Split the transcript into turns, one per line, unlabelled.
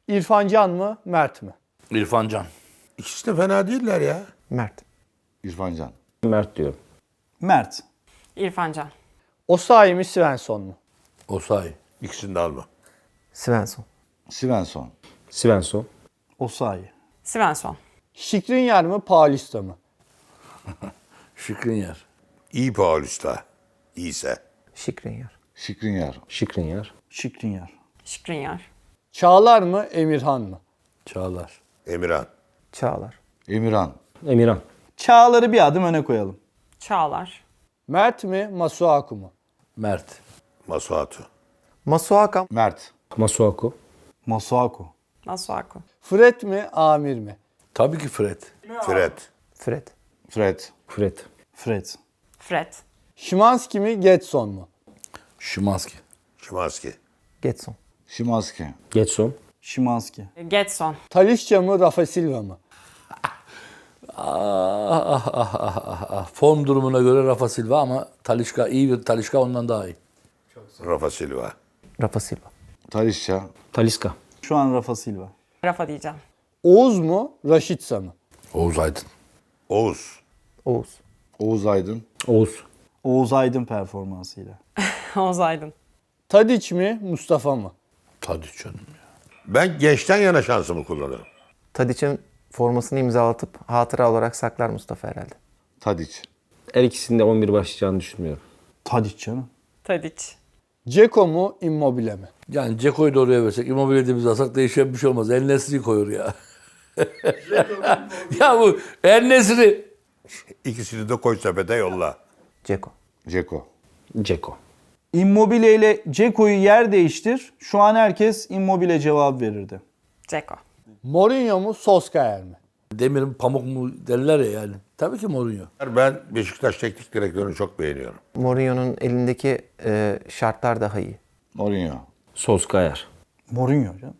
İrfan Can mı, Mert mi?
İrfan Can.
İkisi de fena değiller ya.
Mert.
İrfan Can.
Mert diyorum.
Mert.
İrfan Can.
Osayi mi, Svensson mu?
Osayi.
İkisini de alma.
Svensson.
Svensson.
Svensson.
Osayi.
Svensson.
Skriniar mı, Paulista mı?
Şikrinyar.
İyi Paulista. İyiyse.
Skriniar.
Skriniar.
Skriniar.
Skriniar.
Skriniar.
Çağlar mı, Emirhan mı?
Çağlar.
Emirhan.
Çağlar.
Emirhan.
Emirhan.
Çağlar'ı bir adım öne koyalım.
Çağlar.
Mert mi, Masuaku mu?
Mert.
Masuatu.
Masuaka.
Mert.
Masuaku.
Masuaku.
Masuaku.
Fred mi, Amir mi?
Tabii ki Fred.
Fred.
Fred.
Fred.
Fred.
Fred.
Fred.
Szymanski mi, Getson mu?
Şimanski.
Şimanski.
Getson.
Şimanski.
Getson.
Şimanski.
Getson.
Talisca mı, Rafa Silva mı?
Form durumuna göre Rafa Silva ama Talisca iyi bir Talisca ondan daha iyi.
Rafa Silva.
Rafa Silva.
Talisca.
Talisca.
Şu an Rafa Silva.
Rafa diyeceğim.
Oğuz mu, Raşitsa mı?
Oğuz Aydın.
Oğuz.
Oğuz.
Oğuz Aydın.
Oğuz.
Oğuz Aydın performansıyla.
Oğuz Aydın.
Tadic mi, Mustafa mı?
Tabii canım ya.
Ben gençten yana şansımı kullanırım.
Tadic'in formasını imzalatıp hatıra olarak saklar Mustafa herhalde.
Tadic.
Her ikisinde 11 başlayacağını düşünmüyorum.
Tadic canım.
Tadic.
Ceko mu, Immobile mi?
Yani Ceko'yu da oraya versek, Immobile'de alsak değişen bir şey olmaz. En-Nesyri'yi koyur ya. Ya bu En-Nesyri.
İkisini de koy sepete yolla.
Ceko.
Ceko.
Ceko.
Immobile ile Ceko'yu yer değiştir. Şu an herkes Immobile cevap verirdi.
Ceko.
Mourinho mu, Solskjaer mi?
Demir'in pamuk mu derler ya yani. Tabii ki Mourinho.
Ben Beşiktaş teknik direktörünü çok beğeniyorum.
Mourinho'nun elindeki şartlar daha iyi.
Mourinho.
Solskjaer.
Mourinho canım.